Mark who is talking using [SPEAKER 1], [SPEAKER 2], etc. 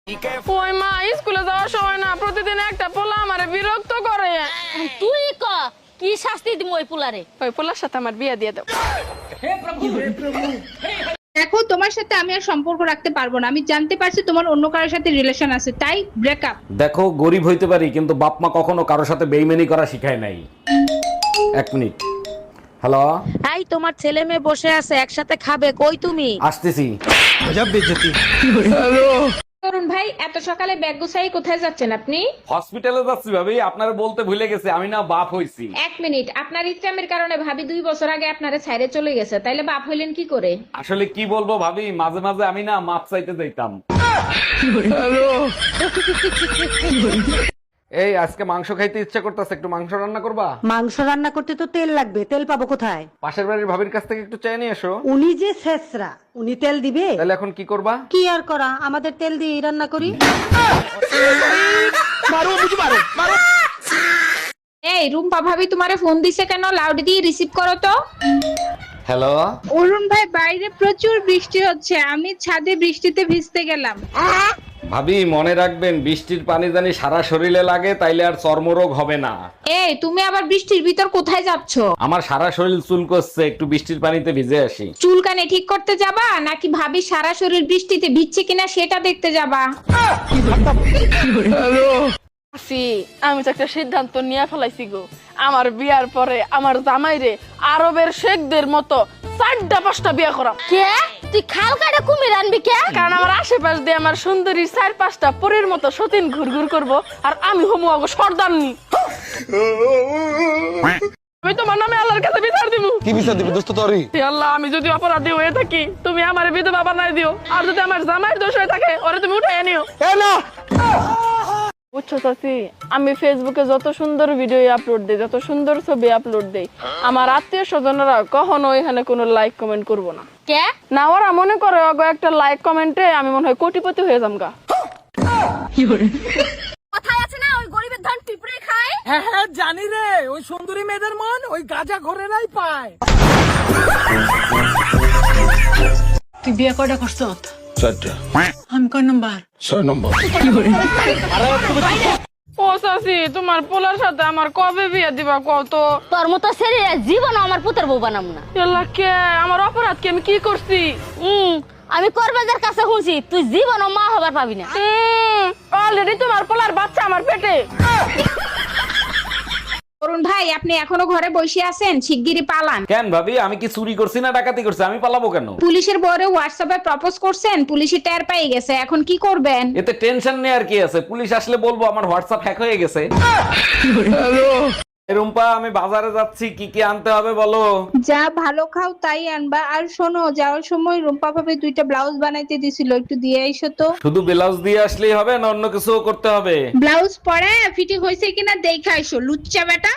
[SPEAKER 1] ওই মা স্কুলে যাওয়ার সময় না প্রতিদিন একটা পোলা আমারে বিরক্ত করে।
[SPEAKER 2] তুই কি শাস্তি দিম ওই পুলারে?
[SPEAKER 1] ওই পোলার সাথে আমার বিয়ে দিয়ে দাও।
[SPEAKER 3] দেখো, তোমার সাথে আমি আর সম্পর্ক রাখতে পারবো না। আমি জানতে পারছি তোমার অন্য কারোর সাথে রিলেশন আছে, তাই ব্রেকআপ।
[SPEAKER 4] দেখো, গরিব হইতে পারি কিন্তু বাপ মা কখনো কারোর সাথে বেইমানি করা শিখায় নাই। এক মিনিট। হ্যালো,
[SPEAKER 2] এই তোমার ছেলে মেয়ে বসে আছে একসাথে খাবে, কই তুমি?
[SPEAKER 4] আসতেছি।
[SPEAKER 3] তরুণ ভাই, এত সকালে ব্যাগ গুছাই কোথায় যাচ্ছেন আপনি?
[SPEAKER 4] হসপিটালে যাচ্ছি ভাবি, আপনার বলতে ভুলে গেছে আমি না বাপ হইছি।
[SPEAKER 3] এক মিনিট, আপনার ইচ্ছামের কারণে ভাবি 2 বছর আগে আপনারে ছাইরে চলে গেছে, তাইলে বাপ হইলেন কি করে?
[SPEAKER 4] আসলে কি বলবো ভাবি, মাঝে মাঝে আমি না মাপ চাইতে যাইতাম। এই আজকে মাংস খাইতে ইচ্ছা করতেছে, একটু মাংস রান্না করবা?
[SPEAKER 5] মাংস রান্না করতে তো তেল লাগবে, তেল পাবো কোথায়?
[SPEAKER 4] পাশের বাড়ির ভাবির কাছ থেকে একটু চাই নিয়ে এসো।
[SPEAKER 5] উনি যে শেষরা, উনি তেল দিবে?
[SPEAKER 4] তাহলে এখন কি করবা?
[SPEAKER 5] কি আর করা, আমাদের তেল দিয়ে রান্না করি।
[SPEAKER 3] এই রুম্পা ভাবি তোমারে ফোন দিছে কেন? লাউড দিয়ে রিসিভ করো তো।
[SPEAKER 4] হ্যালো,
[SPEAKER 3] অরুণ ভাই, বাইরে প্রচুর বৃষ্টি হচ্ছে, আমি ছাদে বৃষ্টিতে ভিজতে গেলাম।
[SPEAKER 4] ভাবি মনে রাখবেন, বৃষ্টির পানি জানি সারা শরীরে লাগে, তাইলে আর চর্মরোগ হবে না।
[SPEAKER 3] এই তুমি আবার বৃষ্টির ভিতর কোথায় যাচ্ছ?
[SPEAKER 4] আমার সারা শরীর চুলকোচ্ছে, একটু বৃষ্টির পানিতে ভিজে আসি।
[SPEAKER 3] চুলকানি ঠিক করতে যাবা নাকি ভাবি সারা শরীর বৃষ্টিতে ভিজছে কিনা সেটা দেখতে যাবা?
[SPEAKER 1] আমি তো একটা সিদ্ধান্ত নিয়ে ফেলাইছি গো। আমার বিয়ার পরে আমার জামাইরে আরবের শেখদের মতো 4-5টা বিয়ে করাম।
[SPEAKER 2] কে তুই খাল কাটে কুমির আনবি কে?
[SPEAKER 1] কারণ আমার আশেপাশ দিয়ে আমার সুন্দরী 4-5টা পরীর মতো সতীন ঘুরঘুর করবো, আর আমি হমু আগো সর্দারনি। আমি তোমার নামে আল্লাহর কাছে বিচার দিব।
[SPEAKER 6] কি বিচার দিবি দোস্ত তোরই?
[SPEAKER 1] হে আল্লাহ, আমি যদি অপরাধী হয়ে থাকি তুমি আমার বিধবা বানাই দিও, আর যদি আমার জামাইয়ের দোষ হয়ে থাকে ওরে তুমি উঠাই নিও।
[SPEAKER 6] এ না,
[SPEAKER 1] বুঝছো চাচি, আমি ফেসবুকে যত সুন্দর ভিডিও আপলোড দেই, যত সুন্দর ছবি আপলোড দেই, আমার আত্মীয় স্বজনরা কখনো এখানে কোনো লাইক কমেন্ট করবো না।
[SPEAKER 2] কে?
[SPEAKER 1] না, ওরা মনে করে ওগো একটা লাইক কমেন্টে আমি মনে হয় কোটিপতি হয়ে যামগা।
[SPEAKER 2] কথায় আছে না, ওই গরিবের ধান পিঁপড়ে খায়।
[SPEAKER 7] হ্যাঁ হ্যাঁ জানি রে, ওই সুন্দরী মেয়েদের মন ওই গাজা ঘরেরাই পায়।
[SPEAKER 8] তুই বিয়ে কয়টা করছ?
[SPEAKER 6] 4টা।
[SPEAKER 8] আমি কয় নাম্বার?
[SPEAKER 6] 6 নম্বর।
[SPEAKER 1] ও চাচি, তোমার পোলার সাথে আমার কবে বিয়ে দিবা কত?
[SPEAKER 2] তোর মতো ছেলে জীবন আমার পুতের বউ বানাম না।
[SPEAKER 1] আল্লাহ, কে আমার অপরাধ কি? আমি কি করছি?
[SPEAKER 2] আমি করবাজার কাছে শুনছি তুই জীবনও মা হবার পাবি না।
[SPEAKER 1] অলরেডি তোমার পোলার বাচ্চা আমার পেটে।
[SPEAKER 3] অরুণ ভাই, আপনি এখনো ঘরে বসে আছেন? শিগগিরই পালান।
[SPEAKER 4] কেন ভাবি, আমি কি চুরি করছি না ডাকাতি করছি? আমি পালাবো কেন?
[SPEAKER 3] পুলিশের বরে হোয়াটসঅ্যাপে প্রপোজ করছেন, পুলিশে টের পেয়ে গেছে, এখন কি করবেন?
[SPEAKER 4] এতে টেনশন নেই আর কি আছে, পুলিশ আসলে বলবো আমার হোয়াটসঅ্যাপ হ্যাক হয়ে গেছে। রুম্পা, আমি বাজারে যাচ্ছি, কি কি আনতে হবে বলো?
[SPEAKER 3] যা ভালো খাও তাই আনবা। আর শোনো, যাওয়ার সময় রুম্পা ভাবে 2টা ব্লাউজ বানাইতে দিছিল, একটু দিয়ে আইসো তো।
[SPEAKER 4] শুধু ব্লাউজ দিয়ে আসলেই হবে না অন্য কিছুও করতে হবে?
[SPEAKER 3] ব্লাউজ পরে ফিটিং হয়েছে কিনা দেখে আইসো, লুচ্চা বেটা।